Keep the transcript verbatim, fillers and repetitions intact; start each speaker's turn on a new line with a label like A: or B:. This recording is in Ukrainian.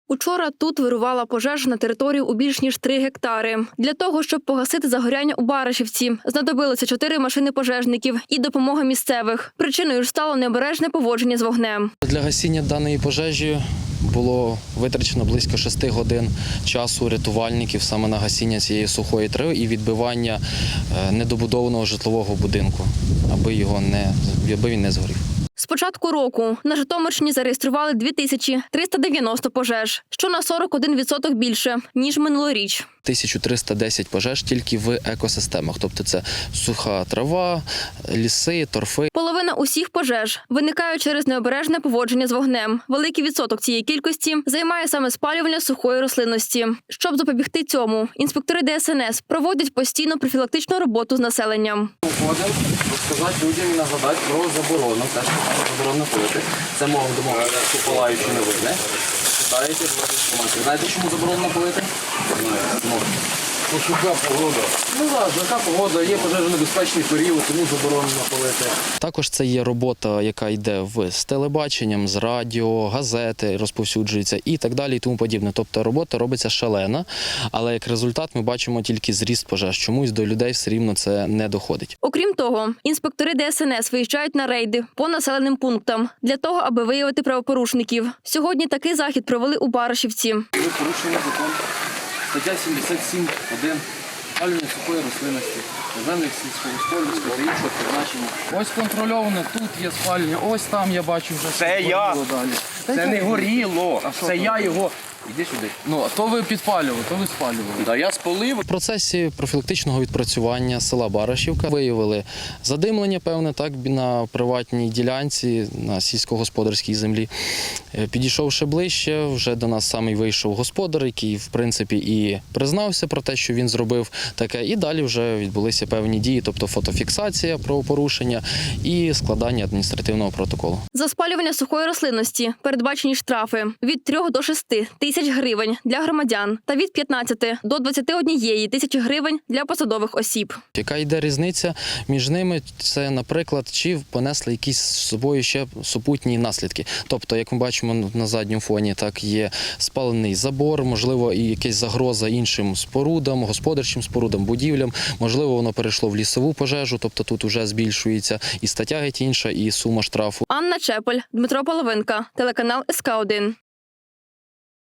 A: Учора тут вирувала пожежа на території у більш ніж три гектари. Для того, щоб погасити загоряння у Баришівці, знадобилося чотири машини пожежників і допомога місцевих. Причиною ж стало необережне поводження з вогнем.
B: Для гасіння даної пожежі було витрачено близько шести годин часу рятувальників саме на гасіння цієї сухої трави і відбивання недобудованого житлового будинку, аби його не, аби він не згорів.
A: З початку року на Житомирщині зареєстрували дві тисячі триста дев'яносто пожеж, що на сорок один відсоток більше, ніж минулоріч.
B: тисяча триста десять пожеж тільки в екосистемах, тобто це суха трава, ліси, торфи.
A: Половина усіх пожеж виникають через необережне поводження з вогнем. Великий відсоток цієї кількості займає саме спалювання сухої рослинності. Щоб запобігти цьому, інспектори Де Ес Ен Ес проводять постійну профілактичну роботу з населенням.
B: Виходимо розказати людям і нагадати про заборону, те, що заборонено палити. Це мова домова, що палаючи не видне. Читаєте, інформацію. Знаєте, чому заборонено палити? Ну,
C: Суха погода.
B: Ну так, яка погода, є пожежонебезпечний період, тому заборонено палити. Також це є робота, яка йде в, з телебаченням, з радіо, газети розповсюджуються і так далі і тому подібне. Тобто робота робиться шалена, але як результат ми бачимо тільки зріст пожеж. Чомусь до людей все рівно це не доходить.
A: Окрім того, інспектори Де Ес Ен Ес виїжджають на рейди по населеним пунктам для того, аби виявити правопорушників. Сьогодні такий захід провели у Баришівці.
B: Ви порушуєте закон. Стаття сімдесят сім один. Спалювання сухої рослинності, землі сільськогосподарського та іншого призначення. Ось контрольовано, тут є спалювання, ось там я бачу вже.
C: Це я.
B: Далі.
C: Це не горіло. Це я його. Іди сюди.
B: Ну, то ви підпалювали, то ви спалювали.
C: Да, я спалив.
B: В процесі профілактичного відпрацювання села Баришівка виявили задимлення, певне, так, на приватній ділянці, на сільськогосподарській землі. Підійшовши ближче, вже до нас самий вийшов господар, який, в принципі, і признався про те, що він зробив таке, і далі вже відбулися певні дії, тобто фотофіксація правопорушення і складання адміністративного протоколу.
A: За спалювання сухої рослинності передбачені штрафи від трьох до шести тисяч гривень для громадян та від п'ятнадцяти до двадцяти однієї тисячі гривень для посадових осіб.
B: Яка йде різниця між ними? Це, наприклад, чи понесли якісь з собою ще супутні наслідки. Тобто, як ми бачимо на задньому фоні, так є спалений забор, можливо, і якась загроза іншим спорудам, господарчим спорудам, будівлям. Можливо, воно перейшло в лісову пожежу, тобто тут вже збільшується і стаття геть інша, і сума штрафу.
A: Анна Чепель, Дмитро Половинка, телеканал Ес Ка один.